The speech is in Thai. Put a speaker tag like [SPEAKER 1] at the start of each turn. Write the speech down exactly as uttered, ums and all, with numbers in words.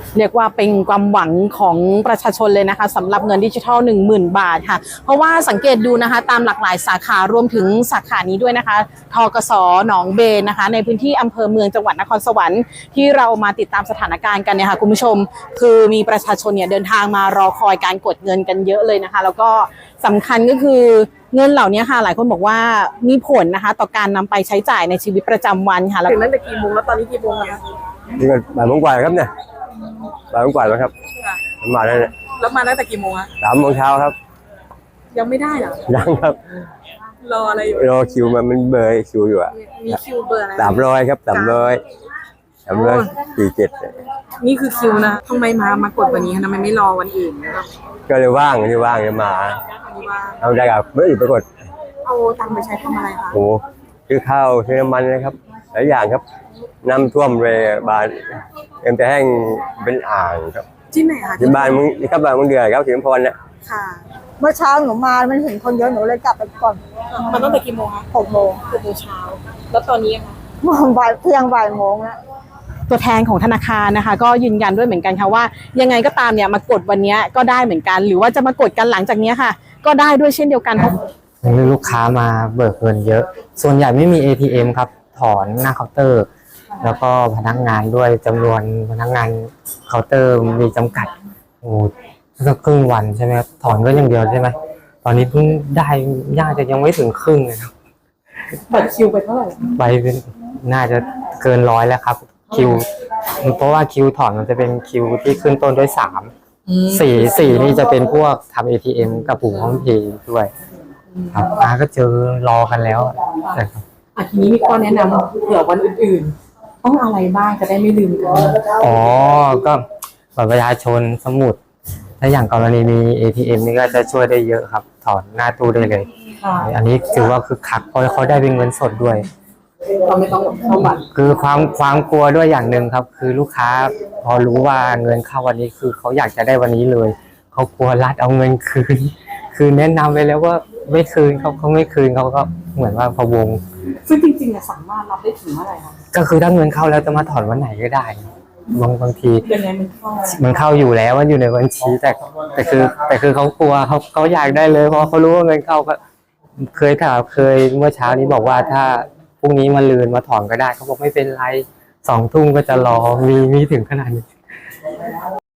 [SPEAKER 1] เรียกว่าเป็นความหวังของประชาชนเลยนะคะสำหรับเงินดิจิทัล หนึ่งหมื่น บาทค่ะเพราะว่าสังเกตดูนะคะตามหลากหลายสาขารวมถึงสาขานี้ด้วยนะคะทกส.หนองเบนนะคะในพื้นที่อำเภอเมืองจังหวัดนครสวรรค์ที่เรามาติดตามสถานการณ์กันเนี่ยค่ะคุณผู้ชมคือมีประชาชนเนี่ยเดินทางมารอคอยการกดเงินกันเยอะเลยนะคะแล้วก็สำคัญก็คือเงินเหล่านี้ค่ะหลายคนบอกว่ามีผลนะคะต่อการนำไปใช้จ่ายในชีวิตประจำวันค่ะถึงตั้งแต่กี่โมงแล้วตอนนี้กี่โมงแล้วคะ
[SPEAKER 2] นี่ก็บ่ายโมงกว่าครับเนี่ยบ่ายโมงกว่าแล้วครับมาแล้วเนี่ย
[SPEAKER 1] แล้วมาตั้งแต่กี่โมงคะ
[SPEAKER 2] สามโมงเช้าครับ
[SPEAKER 1] ยังไม่ได้เหรอ
[SPEAKER 2] ยังครับ
[SPEAKER 1] รออะไรอยู่
[SPEAKER 2] รอคิวมันมันเบอร์คิวอยู่อ่ะ
[SPEAKER 1] มีคิวเบอร์อะไร
[SPEAKER 2] สามร้อยครับสามร้อยสามร้อยสี่เจ็ด
[SPEAKER 1] นี่คือคิวนะทำไมมามากดวันนี้ทำไมไม่รอวันอื่น
[SPEAKER 2] ก็เลยว่างนี่ว่างจะมาเอาได้กับไม่อื่นไปกด
[SPEAKER 1] เอาตังค์ไปใช้ทำอะไรคะ
[SPEAKER 2] โอ้ซื้อข้าวซื้อน้ำมันนะครับหลายอย่างครับน้ำท่วมเลยบ้านเอ็มแต่แห้งเป็นอ่างครับ
[SPEAKER 1] ที่ไหนคะ
[SPEAKER 2] ที่บ้านมึงนี่ครับบ้านมึงเดือดครับสิงห์พรเนี่ย
[SPEAKER 1] ค่ะ
[SPEAKER 3] เมื่อเช้าหนูมามันเห็นคนเยอะหนูเลยกลับไปก่อน
[SPEAKER 1] มันตั้งแต่กี่โมงคะ
[SPEAKER 3] หกโมง
[SPEAKER 1] หกโมงเช้าแล้วตอนนี้คะ
[SPEAKER 3] บ่ายเที่ยงบ่ายโมงแล้ว
[SPEAKER 1] ตัวแทนของธนาคารนะคะก็ยืนยันด้วยเหมือนกันค่ะว่ายังไงก็ตามเนี่ยมากดวันนี้ก็ได้เหมือนกันหรือว่าจะมากดกันหลังจากนี้ค่ะก็ได้ด้วยเช่นเดียวกันเพราะ
[SPEAKER 4] ลูกค้ามาเบิกเงินเยอะส่วนใหญ่ไม่มี เอ ที เอ็ม ครับถอนหน้าเคาน์เตอร์แล้วก็พนักงานด้วยจำนวนพนักงานเคาน์เตอร์มีจำกัดโอ้สักครึ่งวันใช่ไหมครับถอนก็อย่างเดียวใช่ไหมตอนนี้เพิ่งได้ย่าจะยังไม่ถึงครึ่งเลยครับ
[SPEAKER 1] บัตรคิวไปเท่าไหร่
[SPEAKER 4] ไปเป็นน่าจะเกินร้อยแล้วครับคิวเพราะว่าคิวถอนมันจะเป็นคิวที่ขึ้นต้นด้วยสามสี่สี่นี่จะเป็นพวกทำ เอ ที เอ็ม กับปุ่มห้องเพย์ด้วยครับอาก็เจอรอกันแล้ว
[SPEAKER 1] แต่ทีนี้มีข้อแนะนำเผื่อวันอื่นๆต้องอะไรบ้างจะได้ไม่ลืมกัน
[SPEAKER 4] อ๋อก็บัตรประชาชนสมุดถ้าอย่างกรณีมี เอ ที เอ็ม นี่ก็จะช่วยได้เยอะครับถอนหน้าตู้ได้เลยอันนี้ถือว่าคือคักเพราะเขาได้เป็นเงินสดด้วย
[SPEAKER 1] เราไม่ต้องเข้าบัตร
[SPEAKER 4] คือความความกลัวด้วยอย่างหนึ่งครับคือลูกค้าพอรู้ว่าเงินเข้าวันนี้คือเขาอยากจะได้วันนี้เลยเขากลัวรัฐเอาเงินคืนคือแนะนำไปแล้วว่าไม่คืนเขาเขาไม่คืนเขาก็เหมือนว่าพะวง
[SPEAKER 1] ซึ่งจริงๆสามารถรับได้ถึงเมื่อไหร่คะ
[SPEAKER 4] ก็คือถ้าเงินเข้าแล้วจะมาถอนวันไหนก็ได้บางบางที
[SPEAKER 1] ยังไงมันเข้า
[SPEAKER 4] มันเข้าอยู่แล้วมันอยู่ในบัญชีแต่แต่คือแต่คือเขากลัวเขาเขาอยากได้เลยเพราะเขารู้ว่าเงินเข้าก็เคยถามเคยเมื่อเช้านี้บอกว่าถ้าพรุ่งนี้มาลืนมาถอนก็ได้เขาบอกไม่เป็นไรสองทุ่มก็จะรอมีมีถึงขนาดนี้